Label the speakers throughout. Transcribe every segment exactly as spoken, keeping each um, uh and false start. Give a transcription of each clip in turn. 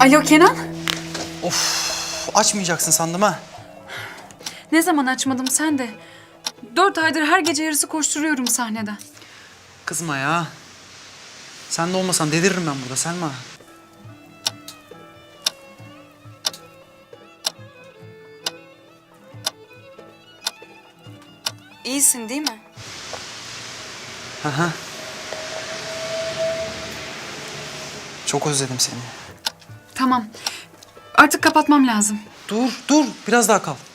Speaker 1: Alo Kenan.
Speaker 2: Of, açmayacaksın sandım ha.
Speaker 1: Ne zaman açmadım sen de. Dört aydır her gece yarısı koşturuyorum sahneden.
Speaker 2: Kızma ya. Sen de olmasan deliririm ben burada Selma.
Speaker 1: İyisin değil mi?
Speaker 2: Aha. Çok özledim seni.
Speaker 1: Tamam. Artık kapatmam lazım.
Speaker 2: Dur, dur. Biraz daha kal.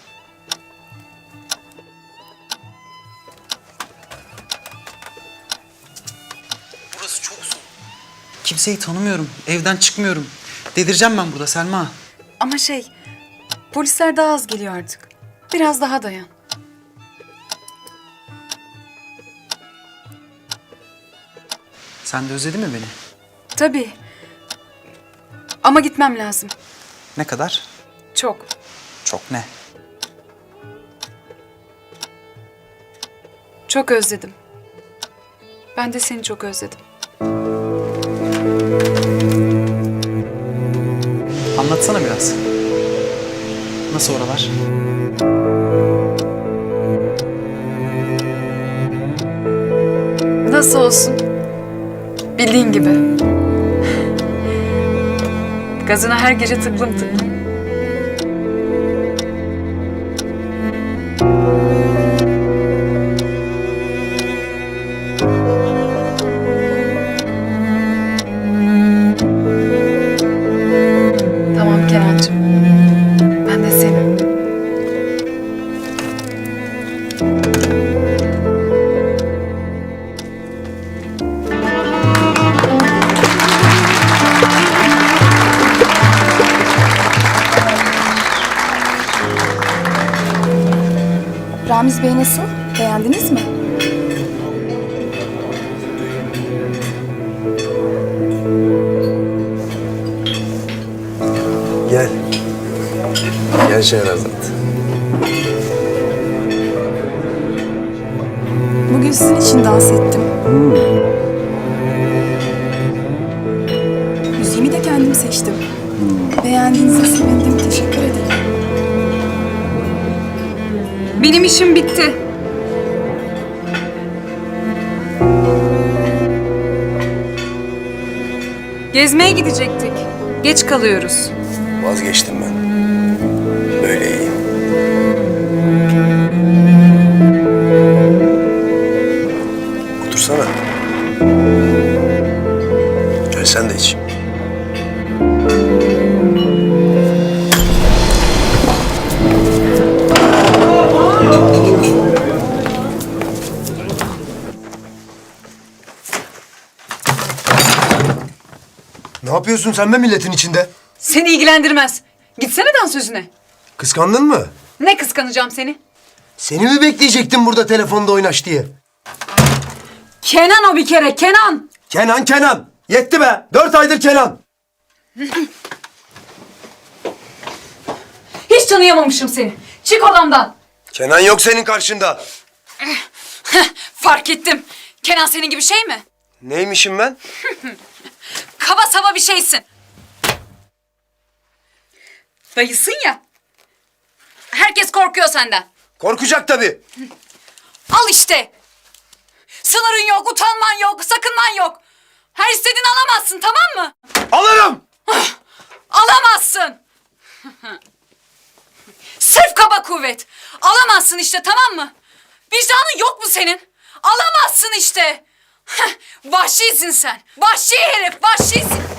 Speaker 2: Burası çok soğuk. Kimseyi tanımıyorum. Evden çıkmıyorum. Delireceğim ben burada Selma.
Speaker 1: Ama şey, polisler daha az geliyor artık. Biraz daha dayan.
Speaker 2: Sen de özledin mi beni?
Speaker 1: Tabii. Ama gitmem lazım.
Speaker 2: Ne kadar?
Speaker 1: Çok.
Speaker 2: Çok ne?
Speaker 1: Çok özledim. Ben de seni çok özledim.
Speaker 2: Anlatsana biraz. Nasıl oralar?
Speaker 1: Nasıl olsun? Bildiğin gibi. Gazına her gece tıklım tıklım. Tamam Kenancığım. Ben de senin.
Speaker 3: Ramiz Bey nasıl? Beğendiniz mi?
Speaker 4: Gel. Gel Şehrazat.
Speaker 3: Bugün sizin için dans ettim. Müziğimi de kendim seçtim. Beğendiğinize sevindim. Teşekkür ederim.
Speaker 1: Benim işim bitti. Gezmeye gidecektik. Geç kalıyoruz.
Speaker 4: Vazgeçtim ben. Böyle iyi. Otursana. Gel sen de iç.
Speaker 5: Ne yapıyorsun sen be milletin içinde?
Speaker 1: Seni ilgilendirmez. Gitsene dansözüne.
Speaker 5: Kıskandın mı?
Speaker 1: Ne kıskanacağım seni?
Speaker 5: Seni mi bekleyecektim burada telefonda oynaş diye?
Speaker 1: Kenan o bir kere, Kenan.
Speaker 5: Kenan Kenan! Yetti be! Dört aydır Kenan!
Speaker 1: Hiç tanıyamamışım seni. Çık odamdan.
Speaker 5: Kenan yok senin karşında.
Speaker 1: Fark ettim. Kenan senin gibi şey mi?
Speaker 5: Neymişim ben?
Speaker 1: Kaba saba bir şeysin. Dayısın ya. Herkes korkuyor senden.
Speaker 5: Korkacak tabii.
Speaker 1: Al işte. Sınırın yok, utanman yok, sakınman yok. Her istediğini alamazsın, tamam mı?
Speaker 5: Alırım!
Speaker 1: Alamazsın. Sırf kaba kuvvet. Alamazsın işte, tamam mı? Vicdanın yok mu senin? Alamazsın işte. Vahşisin sen. Vahşi herif, vahşisin.